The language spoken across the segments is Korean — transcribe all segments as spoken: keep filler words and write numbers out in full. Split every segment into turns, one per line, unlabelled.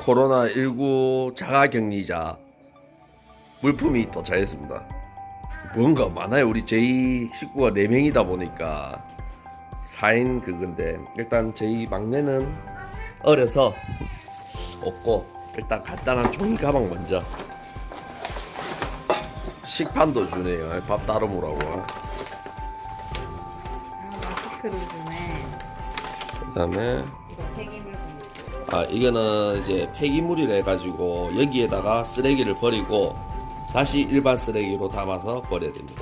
코로나십구 자가격리자 물품이 도착했습니다. 뭔가 많아요. 우리 저희 식구가 네 명이다 보니까 사 인 그건데, 일단 저희 막내는 어려서 없고, 일단 간단한 종이 가방 먼저. 식판도 주네요. 밥 따로 먹으라고.
아, 마스크도 주네.
그 다음에
이거 폐기물 봉투.
아 이거는 이제 폐기물이라 해가지고 여기에다가 쓰레기를 버리고 다시 일반 쓰레기로 담아서 버려야 됩니다.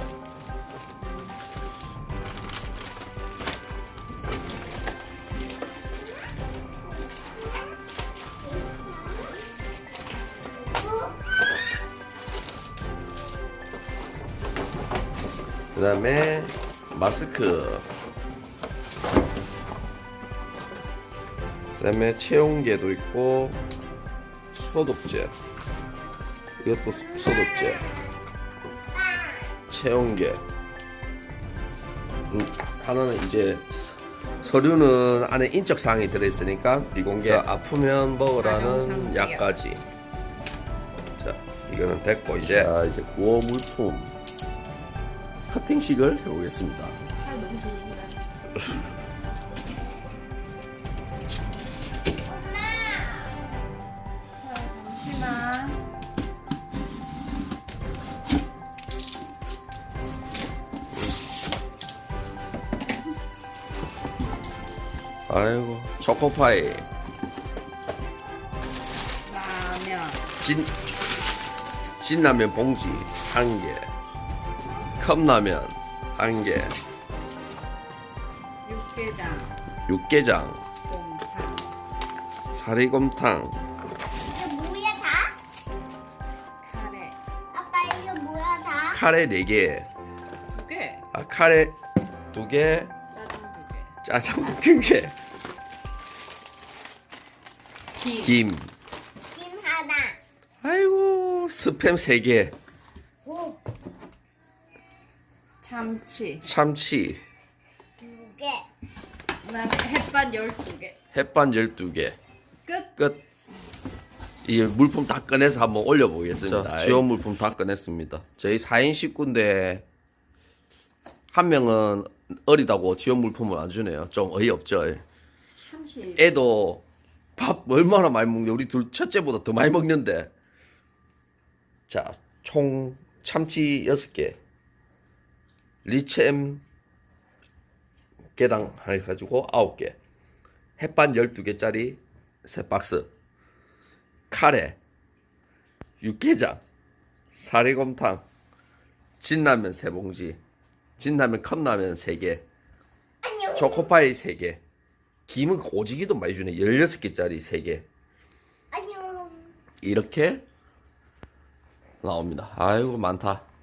그 다음에 마스크, 그 다음에 체온계도 있고 소독제, 이것도 소- 소독제, 체온계. 음, 하나는 이제 서- 서류는 안에 인적사항이 들어있으니까 비공개, 아프면 먹으라는 약까지. 자, 이거는 됐고, 이제 자, 이제 구워 물품 커팅식을 해보겠습니다.
아, 너무 좋은데. 잠시만.
아이고, 초코파이,
라면.
진 진라면 봉지 한 개, 컵라면 한 개,
육개장.
육개장,
곰탕.
사리곰탕,
이게 뭐야 다?
카레.
아빠 이게 뭐야 다?
카레 네 개,
두 개.
아 카레 두 개,
짜장 두 개.
짜장 두 개,
김.
김,
김 하나.
아이고 스팸 세 개,
오,
참치.
참치,
두 개.
그다음에 햇반 열두 개.
햇반 열두 개.
끝.
끝. 이 물품 다 꺼내서 한번 올려보겠습니다. 지원 물품 다 꺼냈습니다. 저희 사 인 식구인데 한 명은 어리다고 지원 물품을 안 주네요. 좀 어이없죠.
삼십.
애도 밥 얼마나 많이 먹는데, 우리 둘 첫째보다 더 많이 먹는데. 자, 총 참치 여섯 개, 리챔 개당 해가지고 아홉 개, 햇반 열두 개짜리 세 박스, 카레, 육개장, 사리곰탕, 진라면 세 봉지, 진라면 컵라면 세 개,
안녕.
초코파이 세 개, 김은 오지기도 많이 주네. 열여섯 개짜리 세 개.
안녕.
이렇게 나옵니다. 아이고 많다.